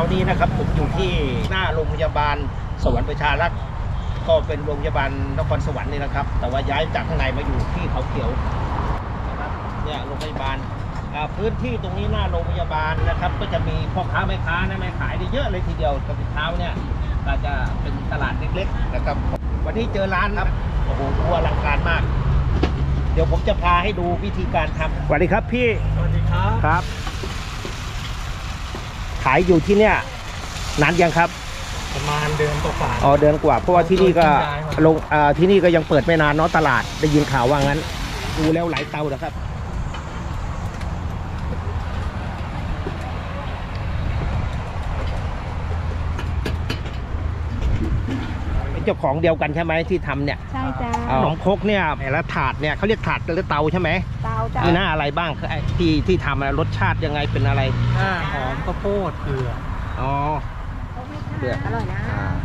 นี้นะครับผมอยู่ที่หน้าโรงพยาบาลสวรรค์ประชารักษ์ก็เป็นโรงพยาบาลนครสวรรค์นี่นะครับแต่ว่าย้ายจากข้างในมาอยู่ที่เขาเขียวนะครับเนี่ยโรงพยาบาลพื้นที่ตรงนี้หน้าโรงพยาบาลนะครับก็จะมีพ่อค้าแม่ค้านะแม่ขายได้เยอะเลยทีเดียวกับเช้าเนี่ยก็จะเป็นตลาดเล็กๆนะครับวันนี้เจอร้านครับโอ้โหอลังการมากเดี๋ยวผมจะพาให้ดูวิธีการทำสวัสดีครับพี่สวัสดีครับครับขายอยู่ที่เนี่ยนานยังครับประมาณเดือนกว่าอ๋อเดือนกว่าเพราะว่าที่นี่ก็ลงที่นี่ก็ยังเปิดไม่นานเนาะตลาดได้ยินข่าวว่างั้นดูแล้วหลายเตานะครับเจ้าของเดียวกันใช่ไหมที่ทำเนี่ยใช่จ้าขนมครกเนี่ยแล้วถาดเนี่ยเขาเรียกถาดหรือเตาใช่ไหมเตาจ้ามีหน้าอะไรบ้างที่ทำรสชาติยังไงเป็นอะไรหอมข้าวโพดเกลืออ๋อเกลืออร่อยนะ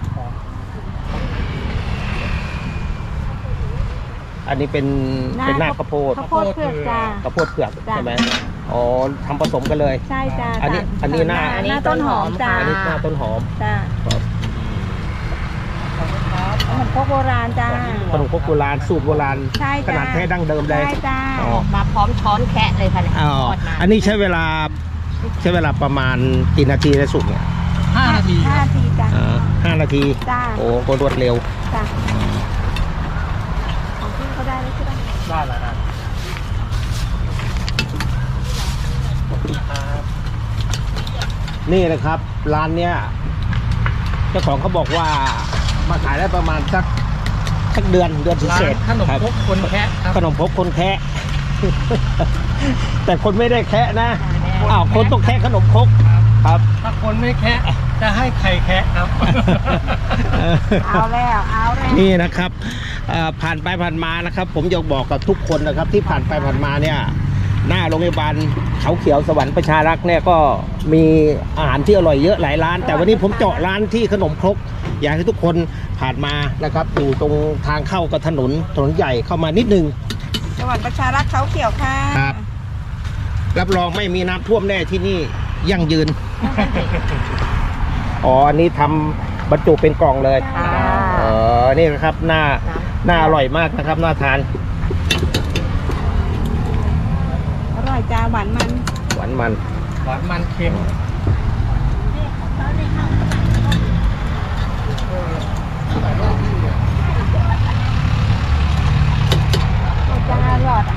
อันนี้เป็นหน้าข้าวโพดเผือกจ้าข้าวโพดเผือกใช่ไหมอ๋อทำผสมกันเลยใช่จ้าอันนี้หน้าต้นหอมจ้าอันนี้หน้าต้นหอมจ้าขนมครกโบราณจ้าขนมครกโบราณสูตรโบราณขนาดแท้ดั้งเดิมเลยใช่จ้ามาพร้อมช้อนแคะเลยค่ะอ๋ออันนี้ใช้เวลาประมาณกี่นาทีในสุกเนี่ย 5 นาทีจ้า 5 นาทีจ้าโอ้ก็รวดเร็วจ้าของพี่เขาได้แล้วใช่ไหมได้แล้วนะนี่นะครับร้านเนี้ยเจ้าของเขาบอกว่ามาขายได้ประมาณสักเดือนเศษขนมครกคนแคะขนมครกคนแคะแต่คนไม่ได้แคะนะคนต้องแคะขนมครกครับถ้าคนไม่แคะจะให้ใครแคะครับเอาแล้วนี่นะครับผ่านไปผ่านมานะครับผมอยากบอกกับทุกคนนะครับที่ผ่านไปผ่านมาเนี่ยหน้าโรงพยาบาลเขาเขียวสวรรค์ประชารักษ์เนี่ยก็มีอาหารที่อร่อยเยอะหลายร้านแต่วันนี้ผมเจาะร้านที่ขนมครกอยากให้ทุกคนผ่านมานะครับอยู่ตรงทางเข้ากับถนนใหญ่เข้ามานิดนึงสวรรค์ประชารักษ์เขาเขียวค่ะครับรับรองไม่มีน้ำท่วมแน่ที่นี่ยั่งยืนอ๋ออันนี้ทำบรรจุเป็นกล่องเลยนี่นะครับหน้าอร่อยมากนะครับน่าทานอร่อยจ้าหวานมันเค็มจ้าหลอด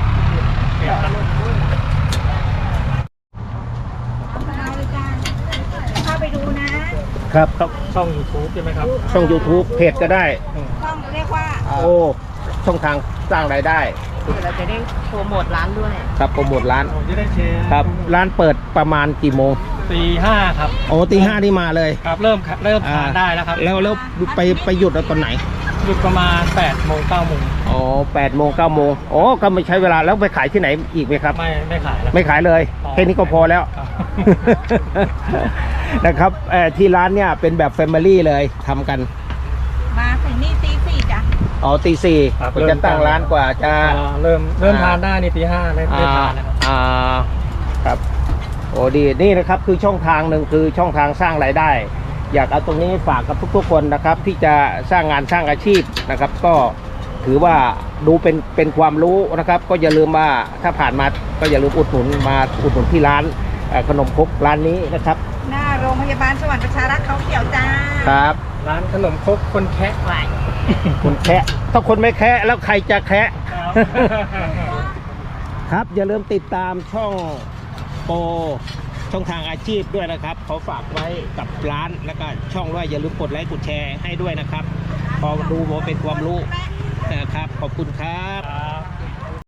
เข้าไปดูนะครับช่อง YouTube ใช่ไหมครับช่อง YouTube เพจก็ได้ช่องเรียกว่าช่องทางสร้างรายได้เราจะได้โปรโมทร้านด้วยครับโปรโมทร้านผมจะได้แชร์ครับร้านเปิดประมาณกี่โมงตี 5ครับโอ้ตี 5นี่มาเลยครับเริ่มทานได้แล้วครับแล้วไปหยุดตอนไหนหยุดประมาณ8 โมง 9 โมงอ๋อ8 โมง 9 โมงอ๋อก็ไม่ใช้เวลาแล้วไปขายที่ไหนอีกไหมครับไม่ขายแล้วไม่ขายเลยแค่นี้ก็พอแล้วนะครับที่ร้านเนี่ยเป็นแบบแฟมิลี่เลยทำกันมาถึงนี่ตี 4จ้ะอ๋อตี 4จะตั้งร้านกว่าจะเริ่มทานได้นี่ตี 5ได้ทานแล้วครับโอ้ดีนี่นะครับคือช่องทางหนึ่งคือช่องทางสร้างรายได้อยากเอาตรงนี้ฝากกับทุกคนนะครับที่จะสร้างงานสร้างอาชีพนะครับก็ถือว่าดูเป็นความรู้นะครับก็อย่าลืมว่าถ้าผ่านมาก็อย่าลืมอุดหนุนที่ร้านขนมครกร้านนี้นะครับหน้าโรงพยาบาลสวรรค์ประชารักษ์เขาเขียวจ้าครับร้านขนมครกคนแคะไหวคนแคะถ้าคนไม่แคะแล้วใครจะแคะครับอย่าลืมติดตามช่องโปรช่องทางอาชีพด้วยนะครับเขาฝากไว้กับร้านแล้วก็ช่องด้วยอย่าลืมกดไลค์กดแชร์ให้ด้วยนะครับพอดูโมเป็นความรู้นะครับขอบคุณครับ